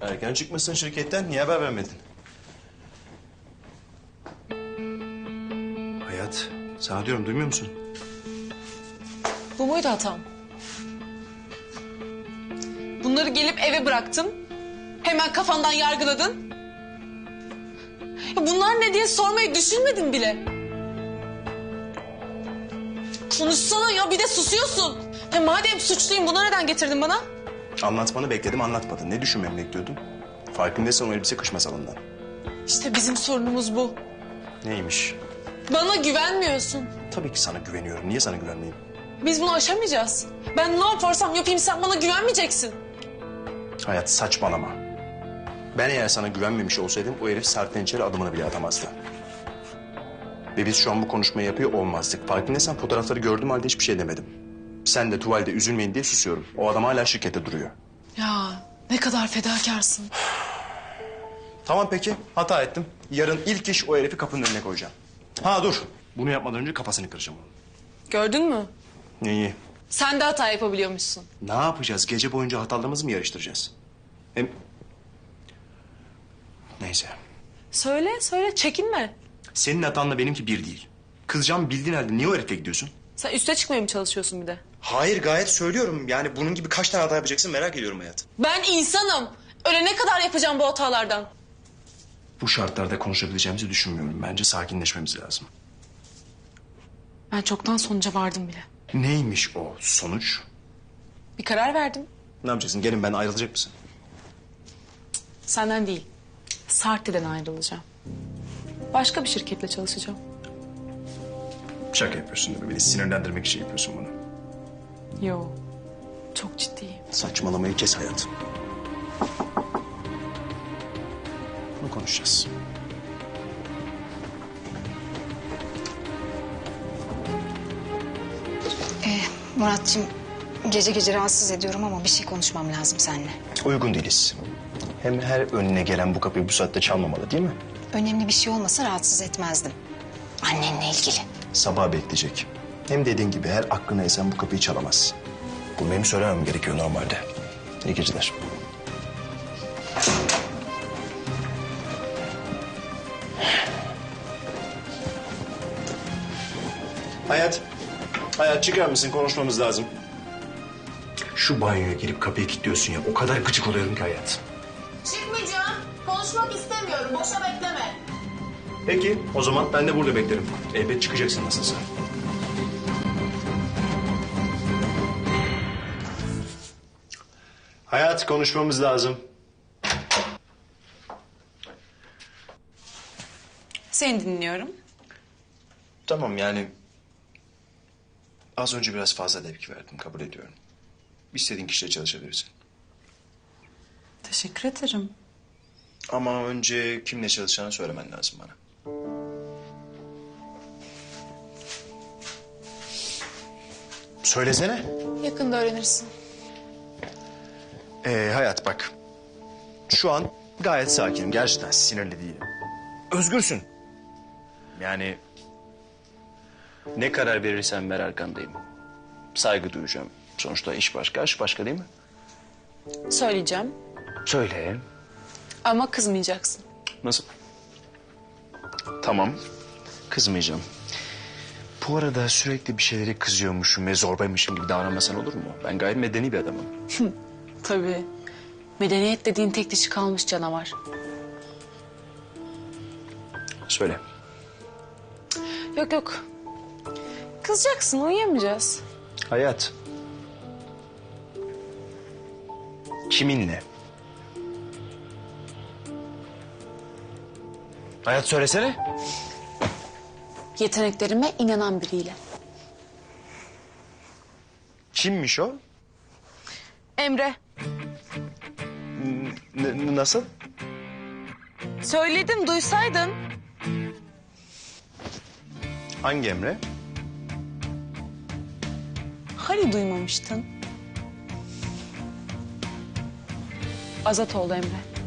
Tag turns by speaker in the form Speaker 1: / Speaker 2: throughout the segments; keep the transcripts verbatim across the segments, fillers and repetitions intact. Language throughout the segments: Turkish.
Speaker 1: Erken çıkmışsın şirketten. Niye haber vermedin? Hayat, sana diyorum, duymuyor musun?
Speaker 2: Bu muydu hatam? Bunları gelip eve bıraktın. Hemen kafandan yargıladın. Ya bunlar ne diye sormayı düşünmedin bile. Konuşsana ya, bir de susuyorsun. Ya madem suçluyum, bunu neden getirdin bana?
Speaker 1: Anlatmanı bekledim, anlatmadın. Ne düşünmemi bekliyordun? Farkındaysan o elbise kış masalından.
Speaker 2: İşte bizim sorunumuz bu.
Speaker 1: Neymiş?
Speaker 2: Bana güvenmiyorsun.
Speaker 1: Tabii ki sana güveniyorum. Niye sana güvenmeyeyim?
Speaker 2: Biz bunu aşamayacağız. Ben ne yaparsam yapayım sen bana güvenmeyeceksin.
Speaker 1: Hayat, saçmalama. Ben eğer sana güvenmemiş olsaydım o herif Serpil'in içeri adımını bile atamazdı. Ve biz şu an bu konuşmayı yapıyor olmazdık. Farkındaysan fotoğrafları gördüğüm halde hiçbir şey demedim. Sen de tuvalde üzülmeyin diye susuyorum. O adam hala şirkette duruyor.
Speaker 2: Ya ne kadar fedakarsın.
Speaker 1: Tamam peki, hata ettim. Yarın ilk iş o herifi kapının önüne koyacağım. Ha dur, bunu yapmadan önce kafasını kıracağım onun.
Speaker 2: Gördün mü?
Speaker 1: Neyi?
Speaker 2: Sen de hata yapabiliyormuşsun.
Speaker 1: Ne yapacağız? Gece boyunca hatalarımızı mı yarıştıracağız? Hem... Neyse.
Speaker 2: Söyle söyle, çekinme.
Speaker 1: Senin hatanla benimki bir değil. Kızacağım bildiğin halde niye o herifle gidiyorsun?
Speaker 2: Sen üste çıkmaya mı çalışıyorsun bir de?
Speaker 1: Hayır, gayet söylüyorum. Yani bunun gibi kaç tane hata yapacaksın merak ediyorum hayat.
Speaker 2: Ben insanım. Ölene kadar yapacağım bu hatalardan.
Speaker 1: Bu şartlarda konuşabileceğimizi düşünmüyorum. Bence sakinleşmemiz lazım.
Speaker 2: Ben çoktan sonuca vardım bile.
Speaker 1: Neymiş o sonuç?
Speaker 2: Bir karar verdim.
Speaker 1: Ne yapacaksın? Gelin ben ayrılacak mısın?
Speaker 2: Senden değil. Sarti'den ayrılacağım. Başka bir şirketle çalışacağım.
Speaker 1: Şaka yapıyorsun değil mi? Beni sinirlendirmek için yapıyorsun bunu.
Speaker 2: Yo. Çok ciddiyim.
Speaker 1: Saçmalamayı kes hayat. Bunu konuşacağız.
Speaker 3: Ee, Muratcığım, gece gece rahatsız ediyorum ama bir şey konuşmam lazım seninle.
Speaker 1: Uygun değiliz. Hem her önüne gelen bu kapıyı bu saatte çalmamalı değil mi?
Speaker 3: Önemli bir şey olmasa rahatsız etmezdim. Annenle ilgili.
Speaker 1: Sabah bekleyecek. Hem dediğin gibi her aklına esen bu kapıyı çalamaz. Bunu benim söylemem gerekiyor normalde. İyi geceler. Hayat. Hayat çıkar mısın? Konuşmamız lazım. Şu banyoya girip kapıyı kilitliyorsun ya. O kadar gıcık oluyorum ki hayat.
Speaker 2: Çıkmayacağım. Konuşmak istemiyorum. Boşa bekleme.
Speaker 1: Peki o zaman ben de burada beklerim. Elbet çıkacaksın nasılsa. Hayat, konuşmamız lazım.
Speaker 2: Seni dinliyorum.
Speaker 1: Tamam yani... Az önce biraz fazla tepki verdim, kabul ediyorum. İstediğin kişiyle çalışabilirsin.
Speaker 2: Teşekkür ederim.
Speaker 1: Ama önce kimle çalışacağını söylemen lazım bana. Söylesene.
Speaker 2: Yakında öğrenirsin.
Speaker 1: Ee, hayat bak. Şu an gayet sakinim. Gerçekten sinirli değilim. Özgürsün. Yani... Ne karar verirsen ver arkandayım. Saygı duyacağım. Sonuçta iş başka, aşk başka değil mi?
Speaker 2: Söyleyeceğim.
Speaker 1: Söyle.
Speaker 2: Ama kızmayacaksın.
Speaker 1: Nasıl? Tamam. Kızmayacağım. Bu arada sürekli bir şeyleri kızıyormuşum ve zorbaymışım gibi davranmasan olur mu? Ben gayet medeni bir adamım.
Speaker 2: Tabii. Medeniyet dediğin tek dişi kalmış canavar.
Speaker 1: Söyle.
Speaker 2: Yok yok. Kızacaksın, uyuyamayacağız.
Speaker 1: Hayat. Kiminle? Hayat söylesene.
Speaker 2: Yeteneklerime inanan biriyle.
Speaker 1: Kimmiş o?
Speaker 2: Emre.
Speaker 1: N- n- nasıl?
Speaker 2: Söyledim, duysaydın.
Speaker 1: Hangi Emre?
Speaker 2: Hani duymamıştın? Azatoğlu Emre.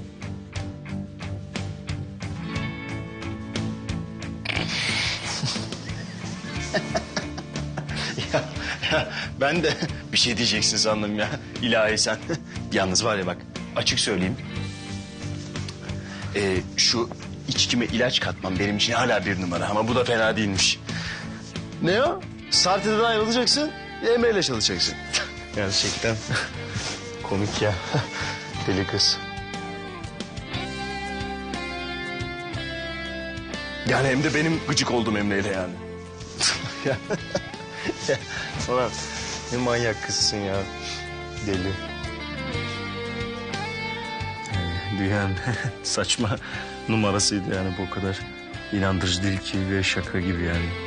Speaker 1: ya, ya ben de bir şey diyeceksin sandım ya. İlahi sen. Yalnız var ya bak, açık söyleyeyim. Ee, şu içkime ilaç katmam benim için hala bir numara ama bu da fena değilmiş.
Speaker 4: Ne o? Sarte'den ayrılacaksın, Emre'yle çalışacaksın.
Speaker 1: Gerçekten komik ya. Deli kız. Yani hem de benim gıcık olduğum Emre'yle yani.
Speaker 4: ya, ya, ulan ne manyak kızsın ya. Deli.
Speaker 5: Yani dünyanın saçma numarasıydı yani bu o kadar inandırıcı değil ki ve şaka gibi yani.